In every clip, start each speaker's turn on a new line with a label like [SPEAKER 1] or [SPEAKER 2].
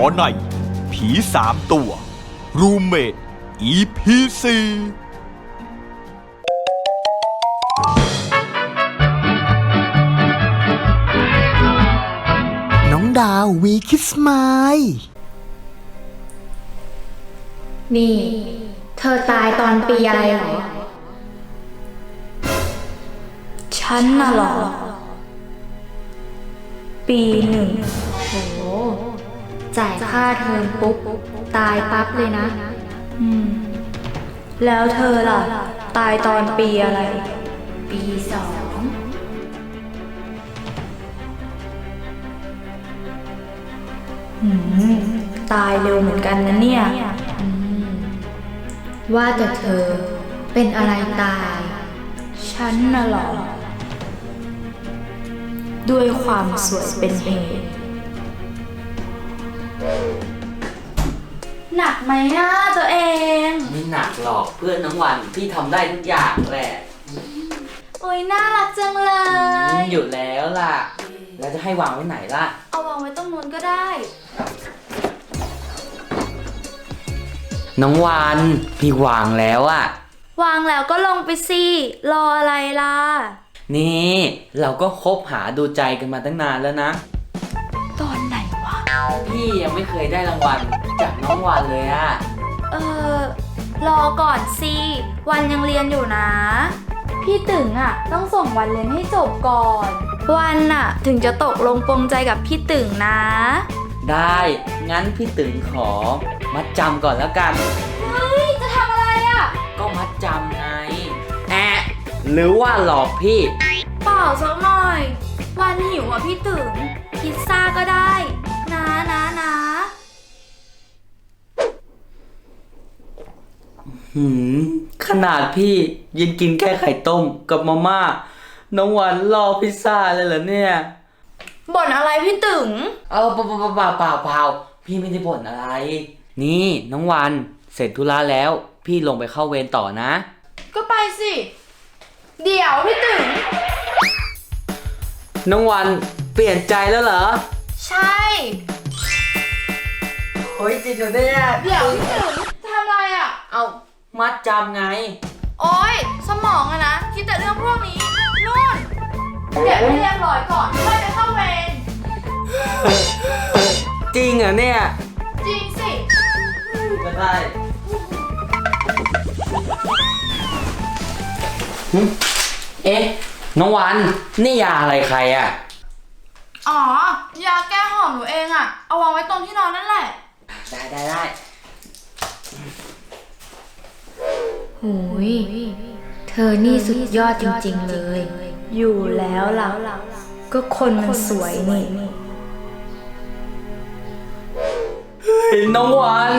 [SPEAKER 1] ในผี3 ตัวรูมเมท EP 4
[SPEAKER 2] น้องดาววีคิสไมล์
[SPEAKER 3] นี่เธอตายตอนปีอะไรเหรอ
[SPEAKER 4] ฉันน่ะเหรอ ปี1
[SPEAKER 3] โหจ่ายค่าเทอมปุ๊บตายปั๊บเลยนะ
[SPEAKER 4] แล้วเธอล่ะ ตายตอนปีอะไร
[SPEAKER 3] ปี 2
[SPEAKER 4] ตายเร็วเหมือนกันนะเนี่ย
[SPEAKER 3] ว่าแต่เธอเป็นอะไรตาย
[SPEAKER 4] ฉันน่ะเหรอ ด้วยความสวยเป็นเหตุ หนักไหมนะตัวเอง
[SPEAKER 5] ไม่หนักหรอกเพื่อนน้องวันพี่ทำได้ทุกอย่างแหละ
[SPEAKER 4] โอ้ยน่ารักจังเลย
[SPEAKER 5] อยู่แล้วล่ะ แล้วจะให้วางไว้ไหนล่ะ
[SPEAKER 4] เอาวางไว้ตรงนู้นก็ได้
[SPEAKER 5] น้องวันพี่วางแล้วอะ
[SPEAKER 4] วางแล้วก็ลงไปสิ รออะไรล่ะ
[SPEAKER 5] นี่เราก็คบหาดูใจกันมาตั้งนานแล้วนะ
[SPEAKER 4] ตอนไหนวะ
[SPEAKER 5] พี่ยังไม่เคยได้รางวัลจากน้องวันเลยอะ
[SPEAKER 4] รอก่อนสิ วันยังเรียนอยู่นะ พี่ตึงต้องส่งวันเรียนให้จบก่อน วันถึงจะตกลงปรงใจกับพี่ตึงนะ
[SPEAKER 5] ได้งั้นพี่ตึงขอมัดจำก่อนแล้วกัน
[SPEAKER 4] เฮ้ย จะทำอะไรอ่ะ
[SPEAKER 5] ก็มัดจำไงหรือว่าหลอกพี่
[SPEAKER 4] เปล่าสักหน่อย วันหิวพี่ตึงพิซซ่าก็ได้นะ
[SPEAKER 5] ขนาดพี่ยินกินแค่ไข่ต้มกับมาม่าน้องวันรอพิซซ่าเลยเหรอเนี่ย
[SPEAKER 4] บ่นอะไรพี่ตึง
[SPEAKER 5] เปล่าพี่ไม่ได้บ่นอะไร นี่น้องวันเสร็จธุระแล้วพี่ลงไปเข้าเวรต่อนะ
[SPEAKER 4] ก็ไปสิ เดี๋ยวพี่ตึง
[SPEAKER 5] น้องวันเปลี่ยนใจแล้วเหรอ
[SPEAKER 4] ใช่
[SPEAKER 5] โอ้ยจริงเหรอเนี่ย
[SPEAKER 4] เดี๋ยวพี่ตึงจะทำอะไรอ่ะ
[SPEAKER 5] เอามัดจำไง
[SPEAKER 4] โอ๊ย สมองนะคิดแต่เรื่องพวกนี้ นู่นเดี๋ยวให้เรียบร้อยก่อนค่อยไปเข้าเวร
[SPEAKER 5] จริงเหรอเนี่ย
[SPEAKER 4] จริงสิ
[SPEAKER 5] ก็ได้เอ๊ะน้องวันนี่ยาอะไรใครอ่ะ
[SPEAKER 4] อ๋อ ยาแก้หอมหนูเองเอาวางไว้ตรงที่นอนนั่นแหละ
[SPEAKER 5] ได้
[SPEAKER 3] โหยเธอนี่สุดยอดจริงๆเลย
[SPEAKER 4] อยู่แล้วล่ะ ก็คนมันสวยนี่
[SPEAKER 5] น้องวัน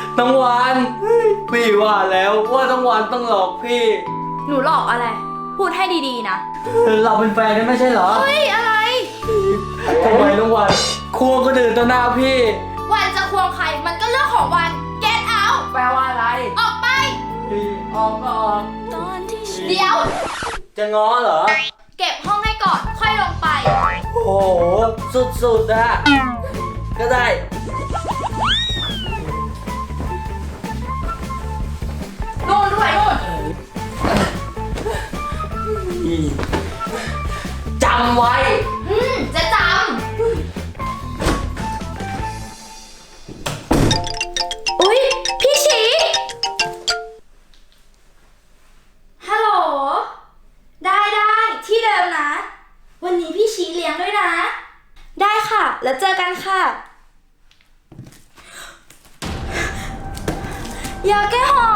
[SPEAKER 5] พี่ว่าแล้วว่าน้องวันต้องหลอกพี่
[SPEAKER 4] หนูหลอกอะไร พูดให้ดีๆนะ
[SPEAKER 5] เราเป็นแฟนกันไม่ใช่เหรอ
[SPEAKER 4] เฮ้ย อะไร
[SPEAKER 5] ทำไมน้องวันควงคนอื่นต่อหน้าพี่
[SPEAKER 4] วันจะควงใครมันก็เรื่องของวัน get out
[SPEAKER 5] แปลว่าอะไร
[SPEAKER 4] ออกไป
[SPEAKER 5] ออกก็ออก
[SPEAKER 4] เดี๋ยว
[SPEAKER 5] จะง้อเหรอ
[SPEAKER 4] เก็บห้องให้ก่อน ค่อยลงไป
[SPEAKER 5] โอ้โหสุดๆอะก็ได้
[SPEAKER 4] นู่นด้วยนู่น
[SPEAKER 5] จำไว้
[SPEAKER 4] จะจำ อุ๊ย พี่ชีฮัลโหล ได้ที่เดิมนะ วันนี้พี่ชีเลี้ยงด้วยนะ ได้ค่ะ แล้วเจอกันค่ะ ยาแก้หอบ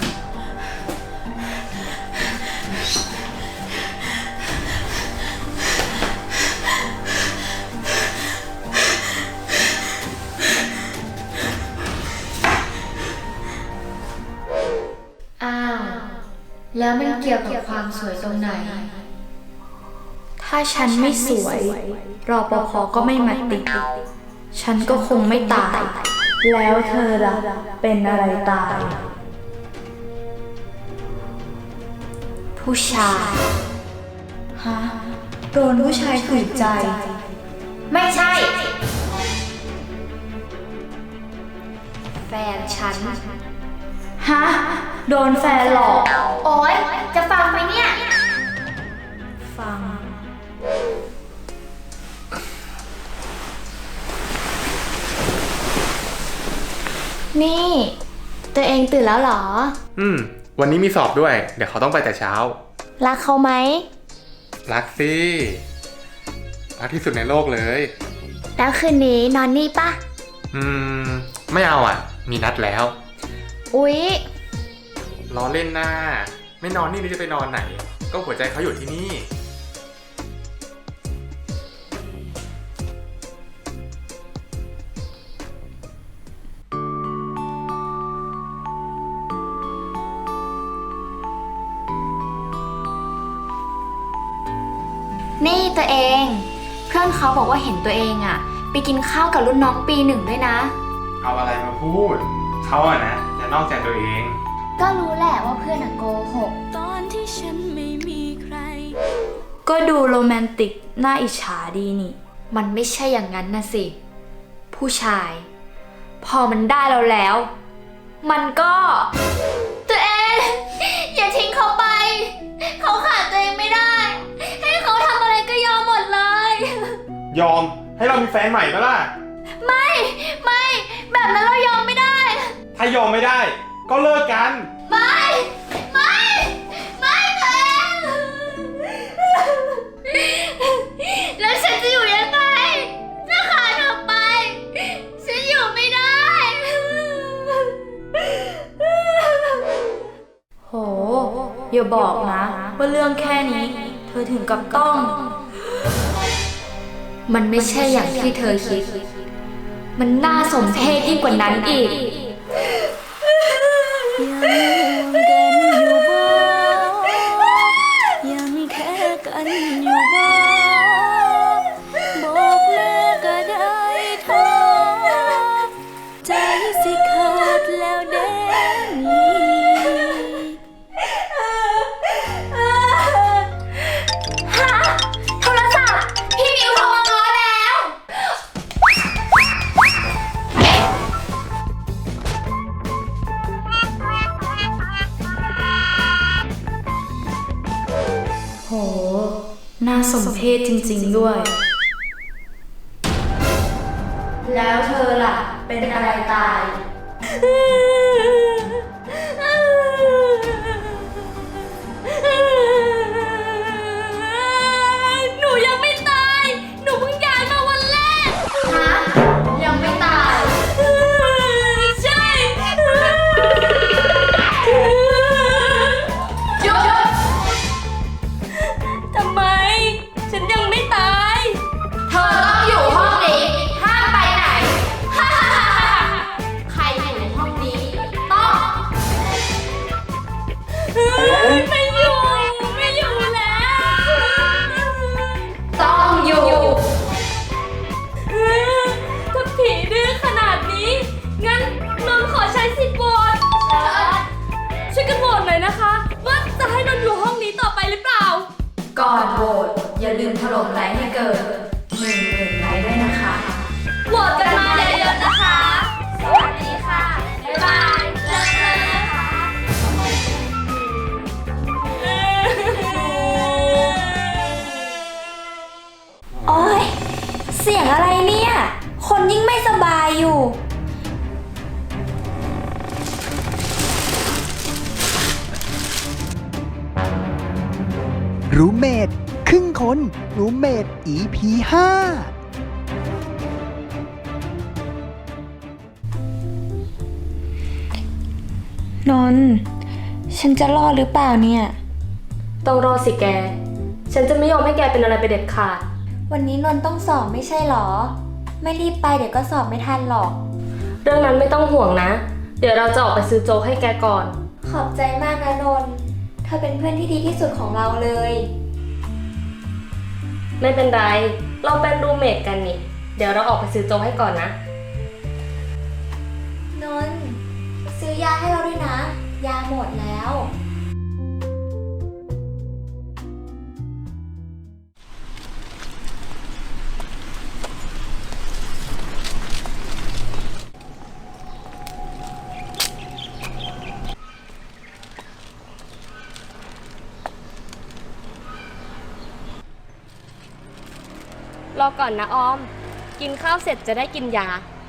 [SPEAKER 3] อ้าว แล้วมันเกี่ยวกับความสวยตรงไหน
[SPEAKER 4] ถ้าฉันไม่สวย รปภ.ก็ไม่มาติด ฉันก็คงไม่ตาย แล้วเธอล่ะ เป็นอะไรตาย ผู้ชาย ฮะ โดนผู้ชายขืนใจ
[SPEAKER 3] ไม่ใช่แฟนฉัน
[SPEAKER 4] ฮะ โดนแฟนหลอก
[SPEAKER 3] โอ๊ย จะฟังไหมเนี่ย
[SPEAKER 4] ฟัง
[SPEAKER 3] นี่ ตัวเองตื่นแล้วเหรอ
[SPEAKER 6] วันนี้มีสอบด้วย เดี๋ยวเขาต้องไปแต่เช้า
[SPEAKER 3] รักเขาไหม
[SPEAKER 6] รักสิ รักที่สุดในโลกเลย
[SPEAKER 3] แล้วคืนนี้นอนนี่ปะ
[SPEAKER 6] ไม่เอาอ่ะ มีนัดแล้ว
[SPEAKER 3] อุ๊ย
[SPEAKER 6] ล้อเล่นหน้า ไม่นอนนี่จะไปนอนไหน ก็หัวใจเขาอยู่ที่นี่
[SPEAKER 3] นี่ตัวเอง เพื่อนเขาบอกว่าเห็นตัวเองอะไปกินข้าวกับรุ่นน้องปี 1ด้วยนะ
[SPEAKER 6] เอาอะไรมาพูด เขาอะนะจะนอกใจตัวเอง
[SPEAKER 3] ก็รู้แหละว่าเพื่อนอะโกหก
[SPEAKER 4] ตอนที่ฉันไม่มีใคร ก็ดูโรแมนติกน่าอิจฉาดีนี่
[SPEAKER 3] มันไม่ใช่อย่างนั้นนะสิ ผู้ชาย พอมันได้เราแล้ว มันก็ ตัวเอง อย่าทิ้งเขาไป เขาขาดตัวเองไม่ได้ ให้เขาทำอะไรก็ยอมหมดเลย
[SPEAKER 6] ยอมให้เรามีแฟนใหม่ปะล่ะ
[SPEAKER 3] ไม่ แบบนั้นเรายอมไม่ได้
[SPEAKER 6] ถ้ายอมไม่ได้ ก็เลิกกัน
[SPEAKER 3] ไม่ตัวเอง แล้วฉันจะอยู่ยังไง ถ้าขาดเธอไป ฉันอยู่ไม่ได้
[SPEAKER 4] โห อย่าบอกนะว่าเรื่องแค่นี้ เธอถึงกับต้อง
[SPEAKER 3] มันไม่ใช่อย่างที่เธอคิด มันน่าสมเพชยิ่งกว่านั้นอีก
[SPEAKER 4] ยังแค่กันอยู่บ้างบอกแม่ก็ได้เธอใจสิขาดแล้วเด้นี่
[SPEAKER 3] โทรศัพท์ พี่มิวโทรมาง้อแล้ว
[SPEAKER 4] โห น่าสมเพชจริงๆด้วย แล้วเธอล่ะ เป็นอะไรตาย
[SPEAKER 3] หนูยังไม่ตาย หนูเพิ่งย้ายมาวันแรก ฮะ ยังไม่ตาย ใช่หยุด
[SPEAKER 4] ทำไม ฉันยังไม่ตาย
[SPEAKER 3] เธอต้องอยู่ห้องนี้ ห้ามไปไหน ใครอยู่ในห้องนี้ ต้อง
[SPEAKER 4] ไม่อยู่แล้ว
[SPEAKER 3] ต้องอยู่
[SPEAKER 4] ถ้าผีดื้อขนาดนี้ งั้นนนท์ขอใช้สิทธิ์โหวตช่วยกันโหวตหน่อยนะคะ ว่าจะให้นนท์อยู่ห้องนี้ต่อไปหรือเปล่า ก่อนโหวตอย่าลืมถล่มไลค์ให้เกิด10,000ไลค์ด้วยนะคะ โหวตกันมาเยอะๆนะคะ สวัสดีค่ะ บ๊ายบายเจอกันนะคะ โอ๊ย เสียงอะไรเนี่ย คนยิ่งไม่สบายอยู่
[SPEAKER 2] รูเมดครึ่งคนรูเมด EP 5
[SPEAKER 4] นนท์ฉันจะรอดหรือเปล่าเนี่ย
[SPEAKER 7] ต้องรอสิแก ฉันจะไม่ยอมให้แกเป็นอะไรไปเด็ดขาด
[SPEAKER 3] วันนี้นนท์ต้องสอบไม่ใช่หรอ ไม่รีบไปเดี๋ยวก็สอบไม่ทันหรอก
[SPEAKER 7] เรื่องนั้นไม่ต้องห่วงนะ เดี๋ยวเราจะออกไปซื้อโจ๊กให้แกก่อน
[SPEAKER 3] ขอบใจมากนะนนท์เธอเป็นเพื่อนที่ดีที่สุดของเราเลย
[SPEAKER 7] ไม่เป็นไร เราเป็นรูมเมทกันนี่ เดี๋ยวเราออกไปซื้อโจ๊กให้ก่อนนะ
[SPEAKER 3] นนท์ซื้อยาให้เราด้วยนะ ยาหมดแล้ว
[SPEAKER 6] น
[SPEAKER 7] รอก่อนนะออม กินข้าวเสร็จจะได้กินยา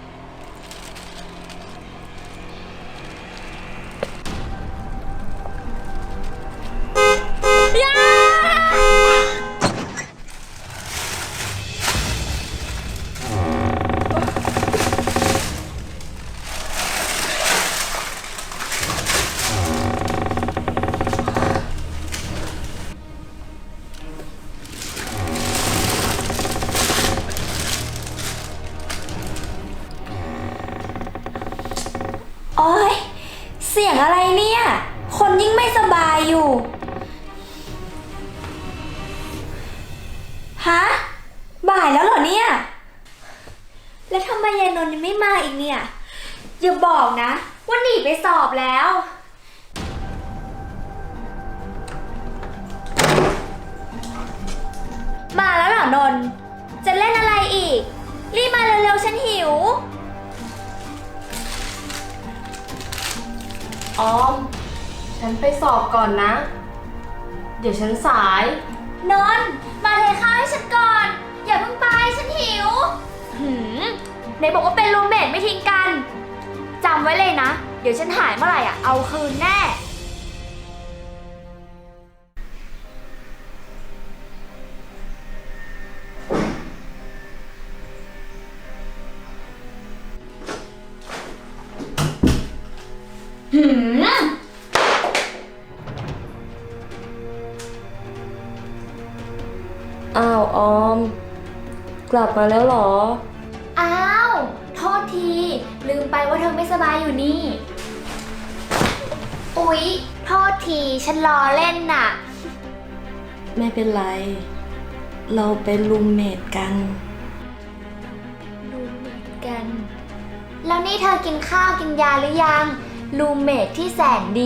[SPEAKER 4] โอ๊ย เสียงอะไรเนี่ย คนยิ่งไม่สบายอยู่ ฮะ บ่ายแล้วเหรอเนี่ย แล้วทำไมยายนนท์ยังไม่มาอีกเนี่ย อย่าบอกนะว่าหนีไปสอบแล้ว มาแล้วเหรอนนท์จะเล่นอะไรอีก รีบมาเร็วๆฉันหิว
[SPEAKER 7] ออม ฉันไปสอบก่อนนะ เดี๋ยวฉันสาย
[SPEAKER 3] นนท์มาเทข้าวให้ฉันก่อน อย่าเพิ่งไปฉันหิวไหนบอกว่าเป็นรูมเมทไม่ทิ้งกันจำไว้เลยนะ เดี๋ยวฉันหายเมื่อไหร่อ่ะเอาคืนแน่
[SPEAKER 7] อ้าวออม กลับมาแล้วเหรอ
[SPEAKER 3] อ้าว โทษที ลืมไปว่าเธอไม่สบายอยู่นี่ อุ๊ย โทษที ฉันล้อเล่นน่ะ
[SPEAKER 7] ไม่เป็นไร เราเป็นรูมเมทกัน
[SPEAKER 3] รูมเมทกัน แล้วนี่เธอกินข้าวกินยาหรือยัง รูมเมทที่แสนดี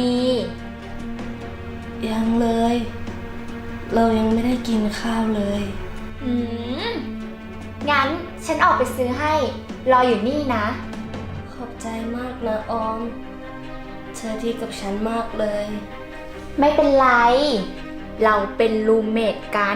[SPEAKER 7] ยังเลย เรายังไม่ได้กินข้าวเลย
[SPEAKER 3] งั้นฉันออกไปซื้อให้ รออยู่นี่นะ
[SPEAKER 7] ขอบใจมากนะออม เธอดีกับฉันมากเลย
[SPEAKER 3] ไม่เป็นไร เราเป็นรูมเมทกัน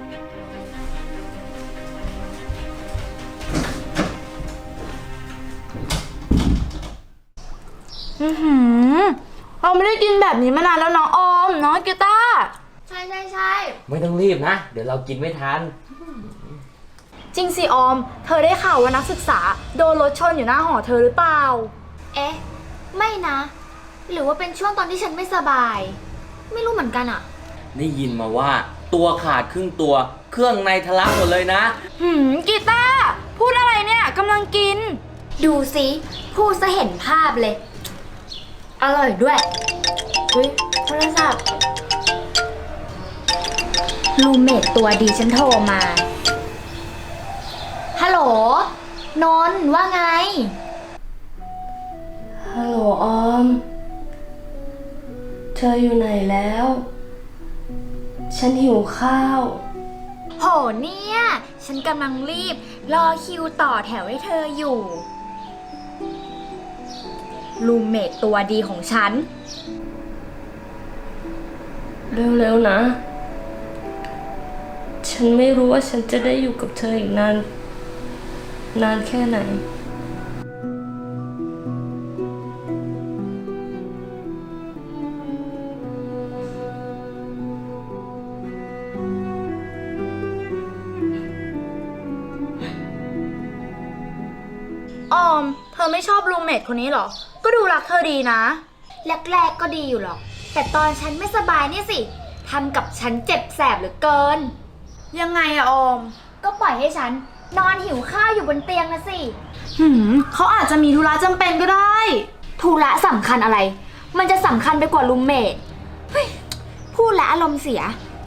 [SPEAKER 4] เราไม่ได้กินแบบนี้มานานแล้วน้องออมน้องกีตาร์
[SPEAKER 3] ใช่ใช่ใช่
[SPEAKER 5] ไม่ต้องรีบนะ เดี๋ยวเรากินไม่ทัน
[SPEAKER 4] จริงสิออม เธอได้ข่าวว่านักศึกษาโดนรถชนอยู่หน้าหอเธอหรือเปล่า
[SPEAKER 3] เอ๊ะ ไม่นะ หรือว่าเป็นช่วงตอนที่ฉันไม่สบาย ไม่รู้เหมือนกันอะ
[SPEAKER 5] ได้ยินมาว่าตัวขาดครึ่งตัว เครื่องในทะลักหมดเลยนะ
[SPEAKER 4] กีตาร์พูดอะไรเนี่ยกำลังกิน
[SPEAKER 3] ดูสิพูดซะเห็นภาพเลย อร่อยด้วยเฮ้ยโทรศัพท์รูมเมทตัวดีฉันโทรมา ฮัลโหล นนท์ว่าไง
[SPEAKER 7] ฮัลโหลออม เธออยู่ไหนแล้ว ฉันหิวข้าว
[SPEAKER 3] โหเนี่ย ฉันกำลังรีบ รอคิวต่อแถวให้เธออยู่ รูมเมทตัวดีของฉัน
[SPEAKER 7] เร็วๆนะ ฉันไม่รู้ว่าฉันจะได้อยู่กับเธออีกนานแค่ไหน
[SPEAKER 4] ออม เธอไม่ชอบรูมเมทคนนี้เหรอ ก็ดูรักเธอดีนะ
[SPEAKER 3] แรกๆก็ดีอยู่หรอก แต่ตอนฉันไม่สบายเนี่ยสิ ทำกับฉันเจ็บแสบเหลือเกิน
[SPEAKER 4] ยังไงอะออม
[SPEAKER 3] ก็ปล่อยให้ฉัน นอนหิวข้าวอยู่บนเตียงนะสิ
[SPEAKER 4] เขาอาจจะมีธุระจำเป็นก็ได้
[SPEAKER 3] ธุระสำคัญอะไร มันจะสำคัญไปกว่ารูมเมทเฮ้ยพูดแล้วอารมณ์เสีย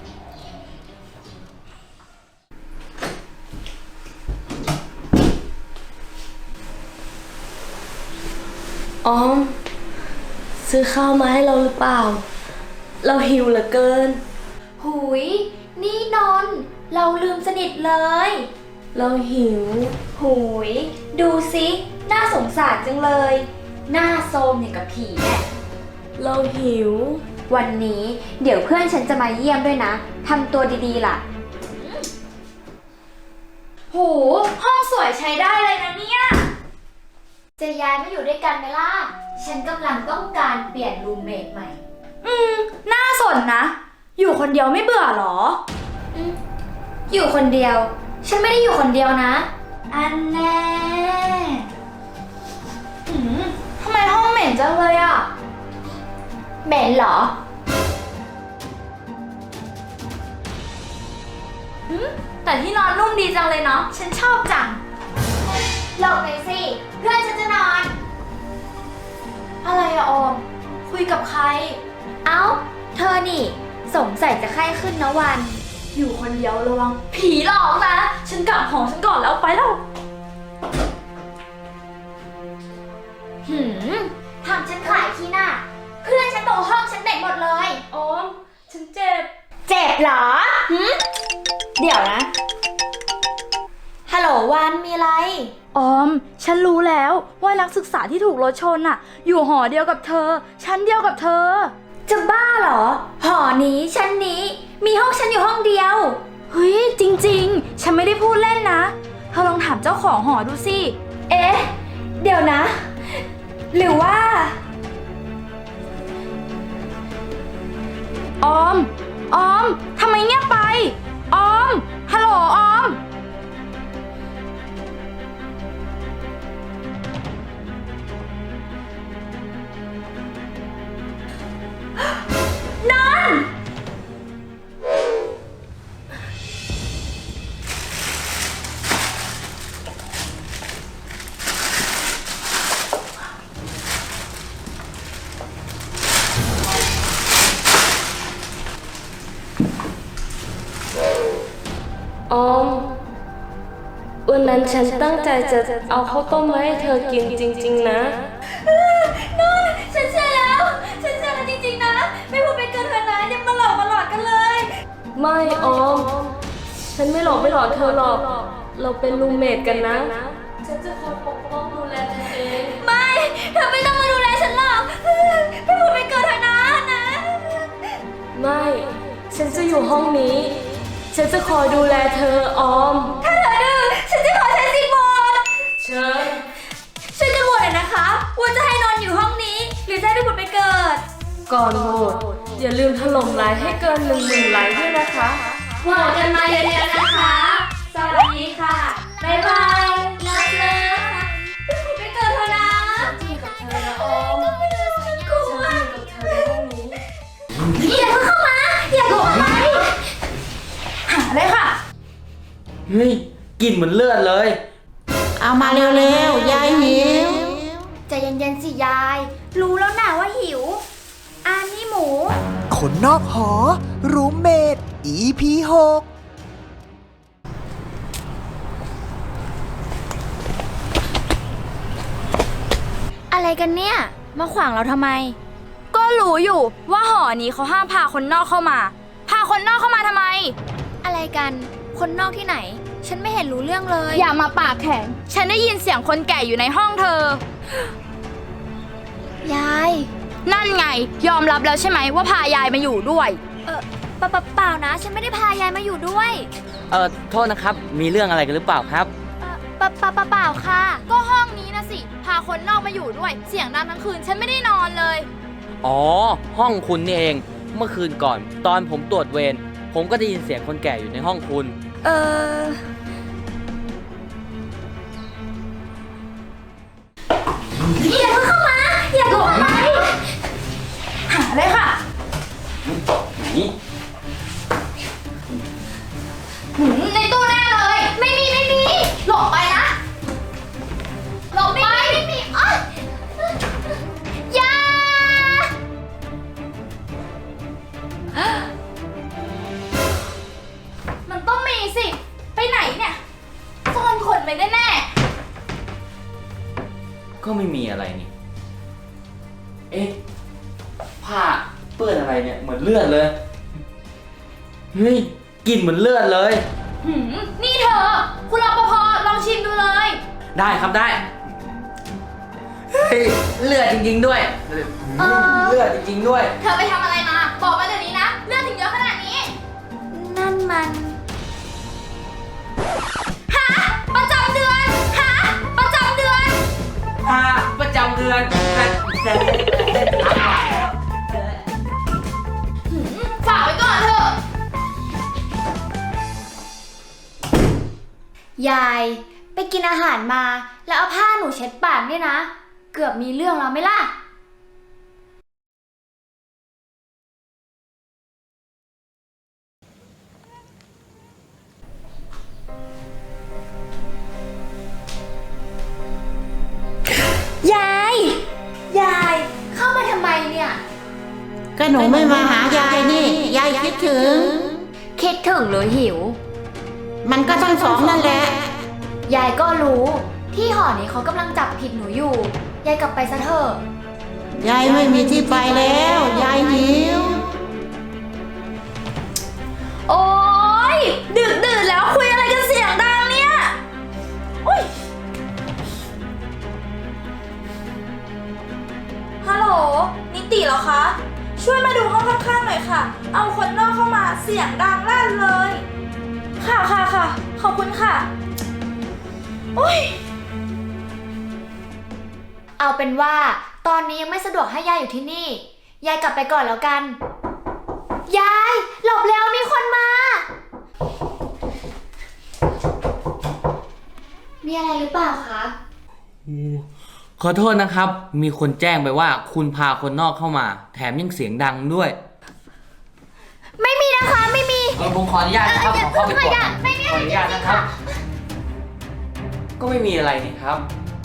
[SPEAKER 7] ออม ซื้อข้าวมาให้เราหรือเปล่า เราหิวเหลือเกิน
[SPEAKER 3] หุย นี่นนท์เราลืมสนิทเลย
[SPEAKER 7] เราหิว
[SPEAKER 3] หุย ดูสิน่าสงสารจังเลย หน้าโซมอย่างกับผีเนี่ย
[SPEAKER 7] เราหิว
[SPEAKER 3] วันนี้เดี๋ยวเพื่อนฉันจะมาเยี่ยมด้วยนะ ทำตัวดีๆล่ะ
[SPEAKER 5] โ
[SPEAKER 4] โห ห้องสวยใช้ได้เลยนะเนี่ย
[SPEAKER 3] จะย้ายมาอยู่ด้วยกันไหมล่ะ ฉันกำลังต้องการเปลี่ยนรูมเมทใหม่
[SPEAKER 4] น่าสนนะ อยู่คนเดียวไม่เบื่อหรอ
[SPEAKER 3] อยู่คนเดียว ฉันไม่ได้อยู่คนเดียวนะ
[SPEAKER 4] อันแน่ทำไมห้องเหม็นจังเลยอ่ะ
[SPEAKER 3] เหม็นเหรอ
[SPEAKER 4] แต่ที่นอนนุ่มดีจังเลยเนาะ ฉันชอบจัง
[SPEAKER 3] หลบหน่อยสิ เพื่อนฉันจะนอน
[SPEAKER 4] อะไรอะออม คุยกับใคร
[SPEAKER 3] เอ้า เธอนี่ สงสัยจะไข้ขึ้นนะวัน
[SPEAKER 4] อยู่คนเดียวระวังผีหลอกนะ ฉันกลับหอฉันก่อนแล้วไปแล้ว
[SPEAKER 3] ทำฉันขายขี้หน้า เพื่อนฉันบอกห้องฉันเด็กหมดเลย
[SPEAKER 4] ออม ฉันเจ็บ
[SPEAKER 3] เจ็บเหรอเดี๋ยวนะ ฮัลโหลวันมีอะไร
[SPEAKER 4] ออม ฉันรู้แล้วว่านักศึกษาที่ถูกรถชนน่ะ อยู่หอเดียวกับเธอ ชั้นเดียวกับเธอ
[SPEAKER 3] จะบ้าเหรอ หอนี้ชั้นนี้ มีห้องฉันอยู่ห้องเดียว
[SPEAKER 4] เฮ้ย จริงๆ ฉันไม่ได้พูดเล่นนะ เธอลองถามเจ้าของหอดูสิ
[SPEAKER 3] เอ๊ะ เดี๋ยวนะ หรือว่า
[SPEAKER 4] ออม ออม ทำไมเงียบไป ออม ฮัลโหลออม
[SPEAKER 7] ออม วันนั้นฉันตั้งใจจะเอาข้าวต้มมาให้เธอกินจริงๆนะ
[SPEAKER 4] ฉันเชื่อแล้ว ฉันเชื่อแล้วจริงๆนะ ไม่พูดไปเกินเธอนะยังมาหลอกกันเลย
[SPEAKER 7] ไม่ออม ฉันไม่หลอกเธอหรอก เราเป็นรูมเมทกันนะ ฉันจะคอยปกป้องดูแลเธอเอง
[SPEAKER 4] ไม่ เธอไม่ต้องมาดูแลฉันหรอก ไม่พูดไปเกินเธอนะ
[SPEAKER 7] ไม่ ฉันจะอยู่ห้องนี้ ฉันจะคอยดูแลเธอออม
[SPEAKER 4] ถ้าเธอดื้อฉันจะขอใช้สิทธิ์โหวต
[SPEAKER 7] เชิญ
[SPEAKER 4] ฉันจะโหวตเลยนะคะ ว่าจะให้นอนอยู่ห้องนี้ หรือจะให้ไปผุดไปเกิด
[SPEAKER 7] ก่อนโหวตอย่าลืมถล่มไลค์ให้เกิน 10,000 ไลค์ด้วยนะคะ
[SPEAKER 4] โหวตกันมาเยอะๆนะคะ สวัสดีค่ะ บ๊ายบายเลิฟเลิฟไปผุดไปเกิดเธอนะ
[SPEAKER 7] ฉันจะอยู่กับเธอนะออม
[SPEAKER 4] ฉันกลัว
[SPEAKER 7] ฉันจะอยู่กับเธอในห้องนี้
[SPEAKER 4] อย่าเพิ่งเข้ามา อย่าเพิ่งเข้าไปหาเลยค่ะ
[SPEAKER 5] เฮ้ยกลิ่นเหมือนเลือดเลย
[SPEAKER 2] เอามาเร็วๆ ยายหิว
[SPEAKER 3] ใจเย็นๆสิยาย รู้แล้วนะว่าหิว อันนี้หมู
[SPEAKER 2] คนนอกหอ รูมเมท EP 6
[SPEAKER 3] อะไรกันเนี่ย มาขวางเราทำไม
[SPEAKER 4] ก็รู้อยู่ว่าหอนี้เขาห้ามพาคนนอกเข้ามา พาคนนอกเข้ามาทำไม
[SPEAKER 3] อะไรกัน คนนอกที่ไหน ฉันไม่เห็นรู้เรื่องเลย
[SPEAKER 4] อย่ามาปากแข็ง ฉันได้ยินเสียงคนแก่อยู่ในห้องเธอ
[SPEAKER 3] ยาย
[SPEAKER 4] นั่นไง ยอมรับแล้วใช่ไหมว่าพายายมาอยู่ด้วย
[SPEAKER 3] เปล่านะ ฉันไม่ได้พายายมาอยู่ด้วย
[SPEAKER 5] โทษนะครับ มีเรื่องอะไรกันหรือเปล่าครับ
[SPEAKER 3] เปล่าค่ะ
[SPEAKER 4] ก็ห้องนี้นะสิ พาคนนอกมาอยู่ด้วย เสียงดังทั้งคืน ฉันไม่ได้นอนเลย
[SPEAKER 5] อ๋อ ห้องคุณนี่เอง เมื่อคืนก่อน ตอนผมตรวจเวร ผมก็ได้ยินเสียงคนแก่อยู่ในห้องคุณ
[SPEAKER 4] อย่าเพิ่งเข้ามา อย่าเพิ่งเข้าไปหาเลยค่ะ
[SPEAKER 5] นี่
[SPEAKER 4] ในตู้แน่เลย ไม่มีหลบไปนะ หลบไปไม่มีอ๊ะอย่า มันต้องมีสิ ไปไหนเนี่ยซ่อนคนไปแน่
[SPEAKER 5] ก็ไม่มีอะไรนี่ เอ๊ะ ผ้าเปื้อนอะไรเนี่ย เหมือนเลือดเลย เฮ้ยกลิ่นเหมือนเลือดเลย
[SPEAKER 4] นี่เธอ คุณรปภลองชิมดูเลย
[SPEAKER 5] ได้ครับได้ เฮ้ย เลือดจริงๆด้วย เลือดจริงๆด้วย
[SPEAKER 4] เธอไปทำอะไรมา บอกมาเดี๋ยวนี้นะ เลือดถึงเยอะขนาดนี้
[SPEAKER 3] นั่นมัน
[SPEAKER 4] ฮะ
[SPEAKER 5] ประจำเดือน
[SPEAKER 3] ฝากไว้ก่อนเถอะ ยายไปกินอาหารมาแล้วเอาผ้าหนูเช็ดปากเนี่ยนะ เกือบมีเรื่องแล้วไหมล่ะ ยาย ยาย เข้ามาทำไมเนี่ย
[SPEAKER 8] ก็หนูไม่มาหายายนี่ ยายคิดถึง
[SPEAKER 3] คิดถึงหรือหิว
[SPEAKER 8] มันก็ทั้งสองนั่นแหละ
[SPEAKER 3] ยายก็รู้ที่หอนี้เขากำลังจับผิดหนูอยู่ ยายกลับไปซะเถอะ
[SPEAKER 8] ยายไม่มีที่ไปแล้ว ยายหิว
[SPEAKER 4] โอ๊ย ดึกดื่นแล้วคุยอะไรกันเสียงดังเนี่ยอุ้ยฮัลโหล นิติเหรอคะ ช่วยมาดูห้องข้างๆหน่อยค่ะ เอาคนนอกเข้ามาเสียงดังลั่นเลย ค่ะค่ะค่ะ ขอบคุณค่ะอุ้ย
[SPEAKER 3] เอาเป็นว่าตอนนี้ยังไม่สะดวกให้ยายอยู่ที่นี่ ยายกลับไปก่อนแล้วกัน ยายหลบแล้วมีคนมา มีอะไรหรือเปล่าคะ
[SPEAKER 5] ขอโทษนะครับ มีคนแจ้งไปว่าคุณพาคนนอกเข้ามา แถมยังเสียงดังด้วย
[SPEAKER 3] ไม่มีนะคะไม่มี
[SPEAKER 5] ผมขออนุญาตนะครับ ขอเข้าไปก่อน
[SPEAKER 3] ไม่มี
[SPEAKER 5] ขออนุญาตนะครับ ก็ไม่มีอะไรนี่ครับ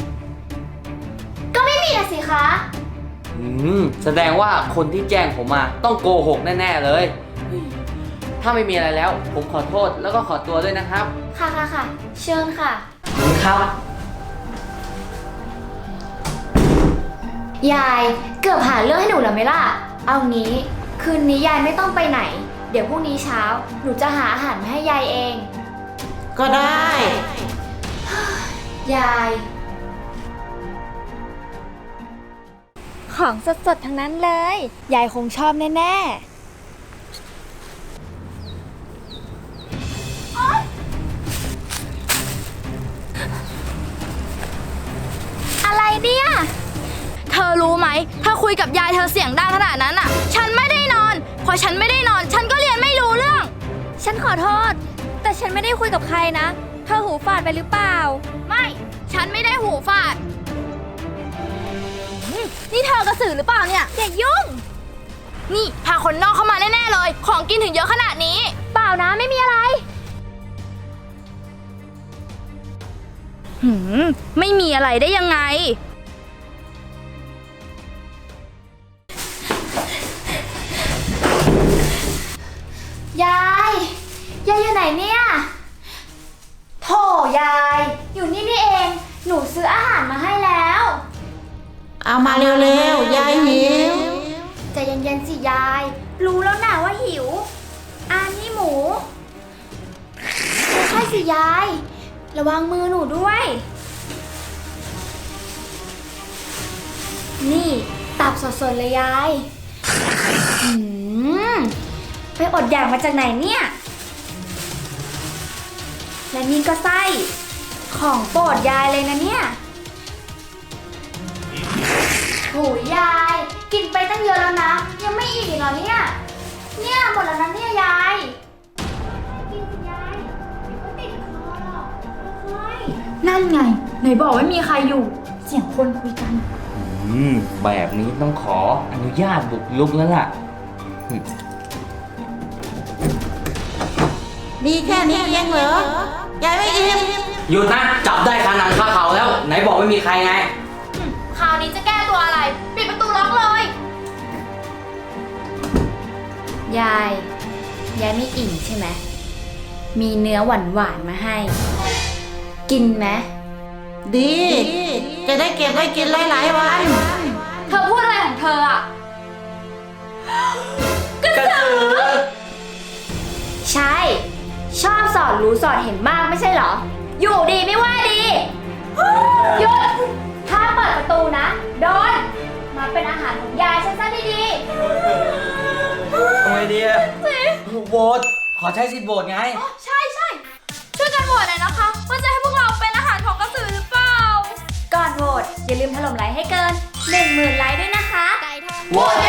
[SPEAKER 3] ก็ไม่มีนะสิคะ
[SPEAKER 5] แสดงว่าคนที่แจ้งผมมาต้องโกหกแน่ๆเลยเฮ้ยถ้าไม่มีอะไรแล้ว ผมขอโทษแล้วก็ขอตัวด้วยนะครับ
[SPEAKER 3] ค่ะค่ะค่ะ เชิญค่ะ
[SPEAKER 5] ครับ
[SPEAKER 3] ยายเกือบหาเรื่องให้หนูแล้วไหมล่ะ เอางี้คืนนี้ยายไม่ต้องไปไหน เดี๋ยวพรุ่งนี้เช้าหนูจะหาอาหารมาให้ยายเอง
[SPEAKER 8] ก็ได้
[SPEAKER 3] ยาย ของสดๆทั้งนั้นเลย ยายคงชอบแน่ๆอะไรเนี่ย
[SPEAKER 4] เธอรู้ไหม ถ้าคุยกับยายเธอเสียงดังขนาดนั้นอ่ะ ฉันไม่ได้นอน พอฉันไม่ได้นอน ฉันก็เรียนไม่รู้เรื่อง
[SPEAKER 3] ฉันขอโทษ แต่ฉันไม่ได้คุยกับใครนะ เธอหูฝาดไปหรือเปล่า
[SPEAKER 4] ไม่ ฉันไม่ได้หูฝาดนี่เธอกระสือหรือเปล่าเนี่ย
[SPEAKER 3] อย่ายุ่ง
[SPEAKER 4] นี่พาคนนอกเข้ามาแน่ๆเลย ของกินถึงเยอะขนาดนี้
[SPEAKER 3] เปล่านะไม่มีอะไร
[SPEAKER 4] ไม่มีอะไรได้ยังไง
[SPEAKER 3] ยายอยู่ไหนเนี่ย โถยาย อยู่นี่นี่เอง หนูซื้ออาหารมาให้แล้ว
[SPEAKER 8] เอามาเร็วๆ ยายหิว
[SPEAKER 3] ใจเย็นๆสิยาย รู้แล้วนะว่าหิวนี่หมูใช่สิยาย ระวังมือหนูด้วย นี่ตับสดๆเลยยายไปอดอยากมาจากไหนเนี่ย และนี่ก็ไส้ของโปรดยายเลยนะเนี่ยโหยายกินไปตั้งเยอะแล้วนะ ยังไม่อิ่มอีกเหรอเนี่ยหมดแล้วนะเนี่ยยายกินสิยายก็ติดคอหรอกค่อย
[SPEAKER 4] นั่นไง ไหนบอกไม่มีใครอยู่ เสียงคนคุยกัน
[SPEAKER 5] แบบนี้ต้องขออนุญาตบุกรุกแล้วล่ะ
[SPEAKER 8] มีแค่นี้เองเหรอ ยายไม่อิ่ม
[SPEAKER 5] หยุดนะ จับได้คาหนังคาเขาแล้ว ไหนบอกไม่มีใครไง
[SPEAKER 3] คราวนี้จะแก้ตัวอะไร ปิดประตูล็อกเลย ยายไม่อิ่มใช่ไหมมีเนื้อหวานๆมาให้ กินไหม
[SPEAKER 8] ดี จะได้เก็บไว้กินหลายๆวัน
[SPEAKER 3] เธอพูดอะไรของเธออ่ะ
[SPEAKER 5] กระสือ
[SPEAKER 3] ใช่ ชอบสอดรู้สอดเห็นมากไม่ใช่เหรอ อยู่ดีไม่ว่าดีหยุดถ้าเปิดประตูนะโดนมาเป็นอาหารของยายฉันซะดี
[SPEAKER 5] ทำไมดีอะโหวตขอใช้สิทธิ์โหวตไง
[SPEAKER 4] ใช่ช่วยกันโหวตหน่อยนะคะ ว่าจะให้พวกเราเป็นอาหารของกระสือหรือเปล่า
[SPEAKER 3] ๆก่อนโห
[SPEAKER 4] โหวตอย่าลืมถล่มไลค์ให้เกิน 10,000 ไลค์ด้วยนะคะ
[SPEAKER 5] โหวต